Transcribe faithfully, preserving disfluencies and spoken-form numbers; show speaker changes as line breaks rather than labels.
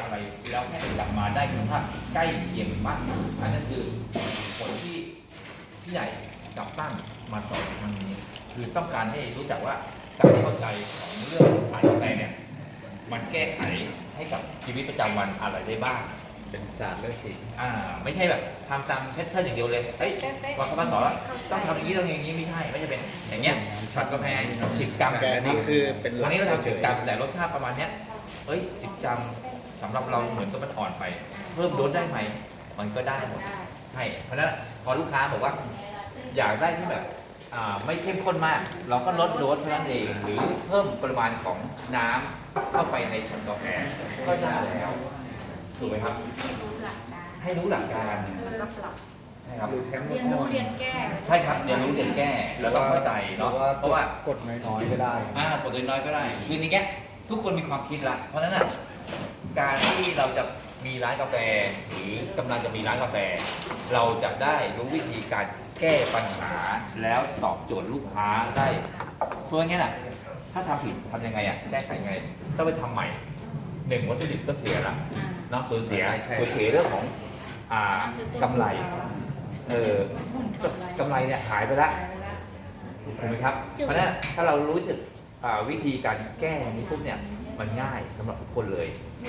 อะไรแล้วให้มันกลับมาได้คุณภาพใกล้เคียงมากอันนั้นคือผลที่พี่ใหญ่กับตั้งมาสอนครั้งนี้คือต้องการให้รู้จักว่าการเข้าใจของเรื่องสายกาแฟเนี่ยมันแก้ไขให้กับชีวิตประจำวันอะไรได้บ้าง
เป็นศาสตร์และศิลป์
อ่าไม่ใช่แบบทำตามแพทเทิร์นอย่างเดียวเลยเฮ้ยว่าเขามาสอนว่าต้องทำอย่างนี้ต้องอย่างนี้ไม่ใช่ไม่ใช่เป็นอย่างเงี้ยช็อตกาแฟสิบกรัม
แต่นี่คือเป็น
วันนี้เราทำสิบกรัมแต่รสชาติประมาณเนี้ยเฮ้ยสิบกรัมสำหรับเราเหมือนกับมันอ่อนไปเพิ่มโดสได้ไหมมันก็ได้หมดใช่เพราะฉะนั้นพอลูกค้าบอกว่าอยากได้ที่แบบอ่าไม่เข้มข้นมาก เราก็ลดโดสเท่านั้นเองหรือเพิ่มปริมาณของน้ำเข้าไปในช็อตกาแฟก็ได้แล้วถูกไหมครับให้รู้หลักการใช่ครับ
แทง
เรียนรู้เรียนแก้
ใช่ครับเรียนรู้เรียนแก้แล้วต้องเข้าใจเนาะเพราะว่าก
ดน้อยๆก็ได้
อ่ากดน้อยๆก็ได้คือในแง่ทุกคนมีความคิดละเพราะฉะนั้นน่ะการที่เราจะมีร้านกาแฟหรือกำลังจะมีร้านกาแฟ เราจะได้รู้วิธีการแก้ปัญหาแล้วตอบโจทย์ลูกค้าได้เพราะงั้นน่ะถ้าทำผิดทำยังไงอ่ะแก้ไขยังไงต้องไปทำใหม่หนึ่งวัตถุดิบก็เสียละเนาะสูญเสียสูญเสียเรื่องของอ่ากำไรเออกำไรเนี่ยหายไปละถูกไหมครับเพราะฉะนั้นถ้าเรารู้สึกอ่าวิธีการแก้นี้ปุ๊บเนี่ยมันง่ายสำหรับทุกคนเลย